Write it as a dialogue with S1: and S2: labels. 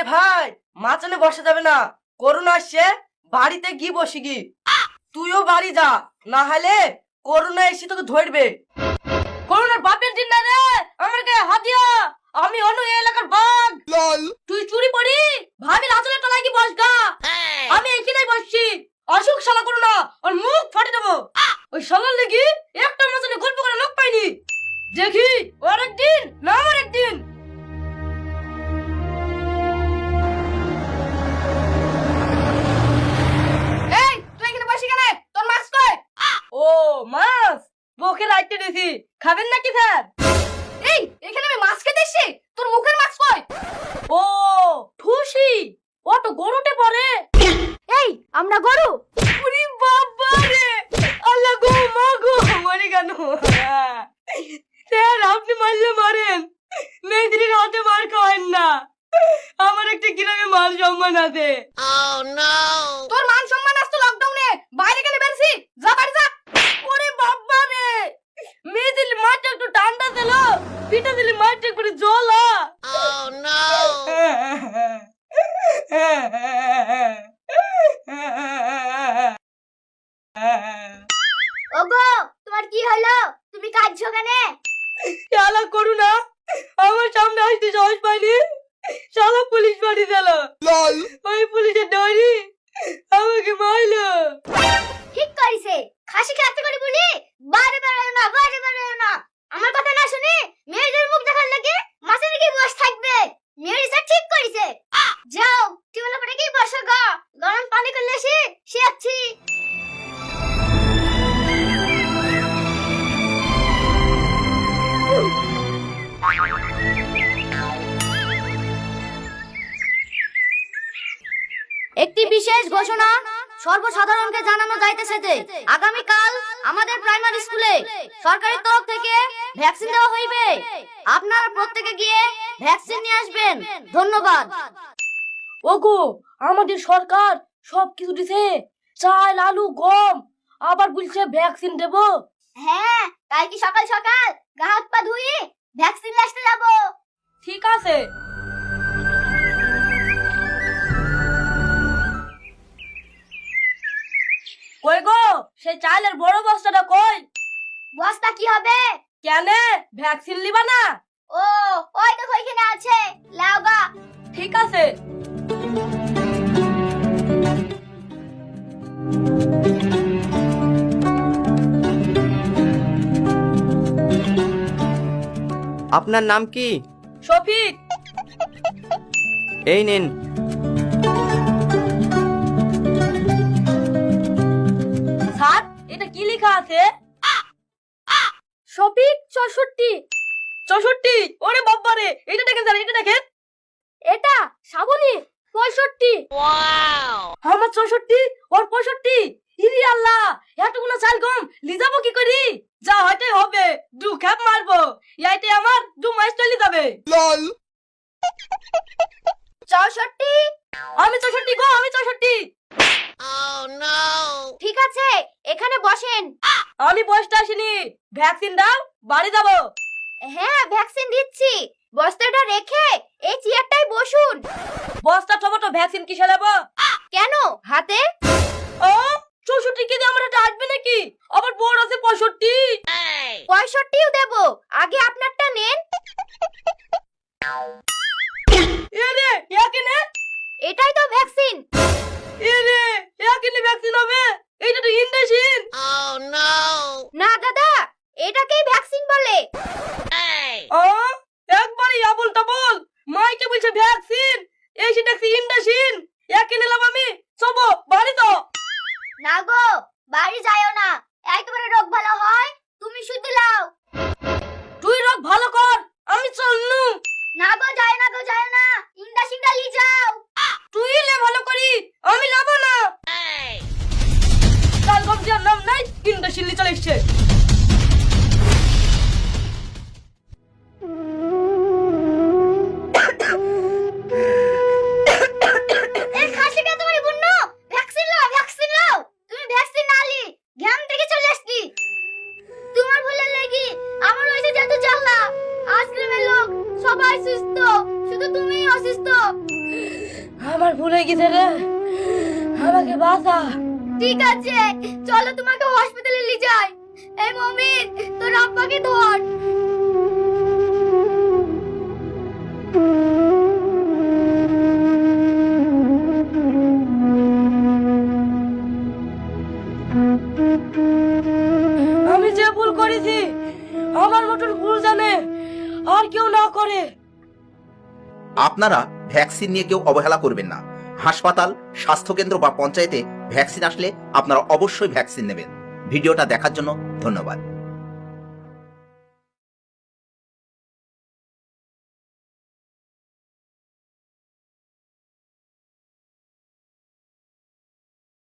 S1: ভাই মাচানে বসে যাবে না, করোনা আসছে, বাড়িতে গিয়ে বসে গি। তুইও বাড়ি যা, না হলে করোনা এসে তোকে ধরবে। করোনার বাপের দিন না রে, আমার গায়ে হাত দিয়া। আমি অন্য এলাকার বাঘ। তুই চুরি পড়ি ভাবি আঁচলের তলায় কি বসগা। আমি এখানেই বসছি। অসুখ শালা করোনা ওর মুখ ফাটে দেবো। ওই শালার লেগে একটা মাচানে গল্প করার লোক পাইনি। দেখি ওর একদিন না আমার একদিন। এই তুই এখানে বসে কেন? তোর মাছ কই? ও মাছ মুখে রাখতে দিছি, খাবেন নাকি স্যার? এই এখানে আমি মাছ খেতে এসেছি, তোর মুখের মাছ কই? ও ঠুসি, ও তো গরুতে পড়ে।
S2: এই আমরা গরু?
S1: ওরে বাবা রে, আল্লাহ গো মা গো, মরে কেন? স্যার আপনি মারলে মারেন, মেয়েদের হাতে মার খাওয়েন না। আমার একটা গ্রামে মান সম্মান আছে। তোর মান সম্মান আসতো লকডাউনে, বাইরে গেলে বেরছি, যা বাড়ি যা। ওরে বাবা রে, মেয়ে দিলে মাঠটা একটু ঠান্ডা দিল, পিঠা দিলে মাঠটা একটু জ্বলা।
S2: ওগো তোমার কি হলো? তুমি কাঁদছো কেন?
S1: শালা করুণা আমার সামনে আসতে সাহস পাইনি, শালা পুলিশ বাড়ি দিল। ওই পুলিশের ডরি আমাকে মারলো।
S2: ঠিক করিছে, খাসি খেতে করে বলি বাড়ি বেরোয় না, বাড়ি বেরোয় না। আমার কথা না শুনে মেয়েদের মুখ দেখার লাগে মাছের কি বস থাকবে। মেয়েরিসা ঠিক করিছে, যাও টিউবওয়েল করে কি বসো গা, গরম পানি করলে সে আছি। একটি বিশেষ ঘোষণা সর্বসাধারণকে জানানো যাইতেছে যে আগামীকাল আমাদের প্রাইমারি স্কুলে সরকারি তরফ থেকে ভ্যাকসিন দেওয়া হইবে। আপনারা প্রত্যেকে গিয়ে ভ্যাকসিন নিয়ে আসবেন। ধন্যবাদ।
S1: ওগো আমাদের সরকার সবকিছু দিছে, চাল আলু গম, আবার বলছে ভ্যাকসিন দেব।
S2: হ্যাঁ, কাল কি সকাল সকাল গা হাত পা ধুয়ে ভ্যাকসিন আসতে যাব।
S1: ঠিক আছে। কই গো সেই চালের বড় বস্তাটা কই?
S2: বস্তা কি হবে?
S1: কেন ভ্যাকসিন লিবা না?
S2: ও ওই দেখো এখানে আছে, লাও গা।
S1: ঠিক আছে।
S3: আপনার নাম কি?
S1: শফিক।
S3: এই নিন।
S1: স্যার এটা কি লেখা আছে?
S2: শফিক 64।
S1: 64? ওরে বাবা রে, এটা দেখেন স্যার, এটা দেখেন।
S2: এটা শ্রাবণী 65।
S1: আমার 64 ওর 65। ইরি আল্লাহ, এতগুলো চাল গম লিজাবো কি করি? যা হইতে হবে, দু খেপ মারবো, এইতে আমার 2 মাস চলে যাবে।
S2: 64?
S1: আমি 64 গো, আমি 64।
S2: ঠিক আছে, এখানে বসেন।
S1: আমি বসতে আসিনি, ভ্যাকসিন দাও, বাড়ি যাবো।
S2: হ্যাঁ ভ্যাকসিন দিচ্ছি, বস্তাটা রেখে এই চেয়ারটায় বসুন।
S1: বস্তা টমেটো ভ্যাকসিন কিসে দেবো?
S2: কেন হাতে?
S1: ও 64 কেজি আমার হাতে আসবে নাকি? আবার বড় আছে 65।
S2: 65ও দেব, আগে আপনারটা নেন।
S1: এরে এখানে,
S2: এটাই তো ভ্যাকসিন।
S1: এরে এখানে ভ্যাকসিন হবে? এইটা তো ইনজেকশন।
S2: না দাদা, এটাকেই ভ্যাকসিন বলে।
S1: একবারই আবল তাবল মাইকে বলছে ভ্যাকসিন, এই সেটা ইনজেকশন। একে নিলাম আমি, চলো বাড়ি তো।
S2: না গো, বাড়ি যাইও না, একেবারে রোগ ভালো হয় তুমি শুধু লাও।
S1: তুই রোগ ভালো কর, আমি চলনু।
S2: না গো, যায় না গো, যায় না, ইন্ডাসিনটা লি যাও।
S1: তুই লে ভালো করি, আমি লাভ না। কাল গম দিয়ার নাম নাই, ইনজেকশন লি চলে এসছে।
S2: এই খাসিটা তোমার বুন্ন, ভ্যাকসিন লাও, ভ্যাকসিন লাও। তুমি ভ্যাকসিন না লি গ্রাম থেকে চলে আসছি। তোমার ভুলের লাগি আমার হইছে যত জ্বালা। আজ গ্রামের লোক সবাই সুস্থ, শুধু তুমিই অসুস্থ।
S1: আমার ভুলে গেছে রে, আমাকে বাঁচা।
S2: ঠিক আছে, চলো তোমাকে হসপিটালে নিয়ে যাই। এই মমিন, তোর আব্বাকে ধর।
S1: আমি যে ভুল করেছি আমার মতন ভুল জানে আর কেউ না করে।
S4: আপনারা ভ্যাকসিন নিয়ে কেউ অবহেলা করবেন না। হাসপাতাল, স্বাস্থ্যকেন্দ্র বা পঞ্চায়েতে ভ্যাকসিন আসলে আপনারা অবশ্যই ভ্যাকসিন নেবেন। ভিডিওটা দেখার জন্য ধন্যবাদ।